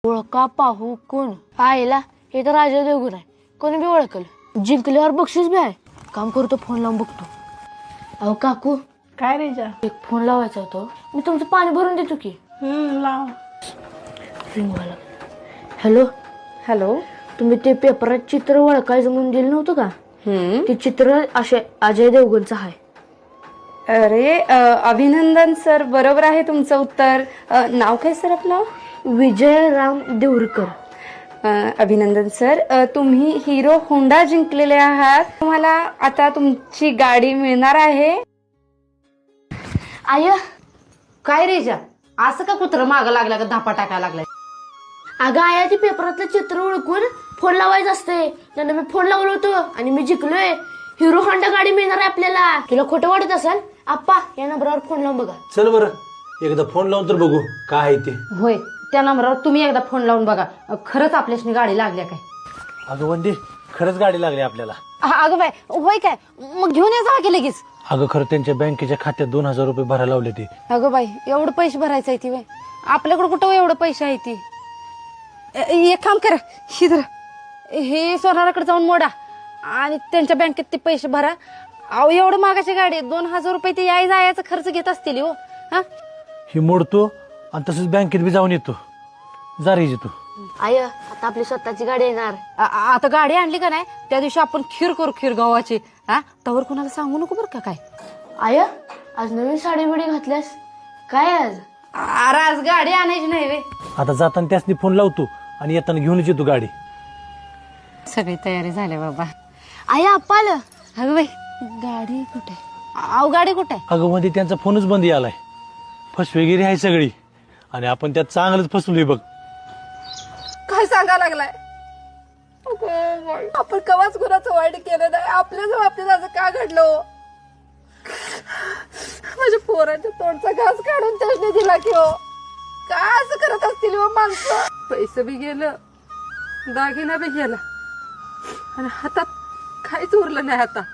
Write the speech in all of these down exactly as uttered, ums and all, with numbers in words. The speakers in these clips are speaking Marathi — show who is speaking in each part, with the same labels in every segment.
Speaker 1: ओळखा पाहू कोण आईला हे तर राजा देवगुण आहे, कोणी बी ओळखलं. जिंकल्यावर बक्षीस बी आहे. काम करतो, फोन लावून बघतो. अहो काकू,
Speaker 2: काय रे जा?
Speaker 1: एक फोन लावायचा होता. मी तुमचं पाणी भरून देतो की.
Speaker 2: हम्म लाव.
Speaker 1: Hello
Speaker 2: hello.
Speaker 1: तुम्ही ते पेपरात चित्र ओळखायचं म्हणून दिलं नव्हतं का?
Speaker 2: हम्म.
Speaker 1: ते चित्र असे अजय देवगणचं आहे.
Speaker 2: अरे अ, अभिनंदन सर, बरोबर आहे तुमचं उत्तर. अ, नाव काय सर आपलं?
Speaker 1: विजय राम देवरकर.
Speaker 2: अ, अभिनंदन सर, अ, तुम्ही हिरो होंडा जिंकलेले आहात. तुम्हाला आता तुमची गाडी मिळणार आहे.
Speaker 1: आय
Speaker 3: काय रे जा, असं का कुत्र मागं लागला का धापा टाकायला लागलाय?
Speaker 1: अगं आया, ते पेपरातलं चित्र ओळखून फोन लावायचं असते. त्यांना मी फोन लावलो होतो आणि मी जिंकलोय. हिरो होंडा गाडी मिळणार आहे आपल्याला. तुला खोटं वाटत असेल? आप्पा, या नंबरवर फोन लावून बघा.
Speaker 4: चल बरं, एकदा फोन लावून तर बघू काय आहे ते.
Speaker 3: होय, त्या नंबरावर तुम्ही एकदा फोन लावून बघा, खरंच आपल्याशी गाडी लागल्या काय.
Speaker 4: अगं वंदे, खरंच गाडी लागली आपल्याला.
Speaker 3: अगं बाय, होय काय? मग घेऊन या जावा की लगेच.
Speaker 4: अगं खरं त्यांच्या बँकेच्या खात्यात दोन हजार रुपये भरायला लावले ते.
Speaker 3: अगं बाई, एवढं पैसे भरायचं आहे ती बाय? आपल्याकडे कुठं एवढं पैसे आहे ती? एक काम करा, शिदर हे सोनाराकडे जाऊन मोडा आणि त्यांच्या बँकेत ते पैसे भरा. अहो, एवढं मागाची गाडी, दोन हजार रुपये ते याय जायचा खर्च घेत असतील हो. हा,
Speaker 4: ही मोडतो आणि तसंच बँकेत बी जाऊन येतो. जा रे तू.
Speaker 1: आय, आता आपली स्वतःची गाडी येणार.
Speaker 3: आ- आता गाडी आणली का नाही, त्या दिवशी आपण खीर करू, खीर गव्हाची. हा, तवर कुणाला सांगू नको बरं का काय.
Speaker 1: आय, आज नवीन साडी बिडी घातल्यास काय आज?
Speaker 3: अरे आज गाडी आणायची नाही वे.
Speaker 4: आता जाताना त्यासनी फोन लावतो आणि येताना घेऊनच येतो गाडी.
Speaker 3: सगळी तयारी झाली बाबा.
Speaker 1: आय, आप्पा आलं.
Speaker 3: अगं बाई, गाडी कुठे? अहो, गाडी कुठे?
Speaker 4: अगं मध्ये त्यांचा फोनच बंद आलाय. फसवेगिरी आहे सगळी आणि आपण त्यात चांगलंच फसलोय बघ.
Speaker 3: काय सांगा लागलाय? आपण कवाच कुणाचं वाईट केलं नाही, आपल्याच बाबतीत असं का घडलं? माझ्या पोराच्या तोंडचा घास काढून त्याने दिला की हो. काय असं करत असतील हो माणसं? पैसे बी गेलं, दागिना बी गेला आणि हातात काहीच उरलं नाही आता.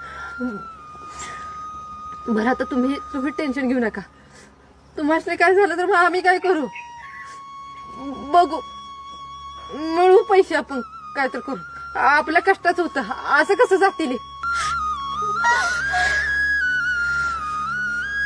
Speaker 3: बरं, आता तुम्ही तुम्ही टेन्शन घेऊ नका. तुम्हाला काय झालं तर मग आम्ही काय करू? बघू, मिळू पैसे, आपण काय तर करू. आपल्या कष्टाचं होतं, असं कसं जातील?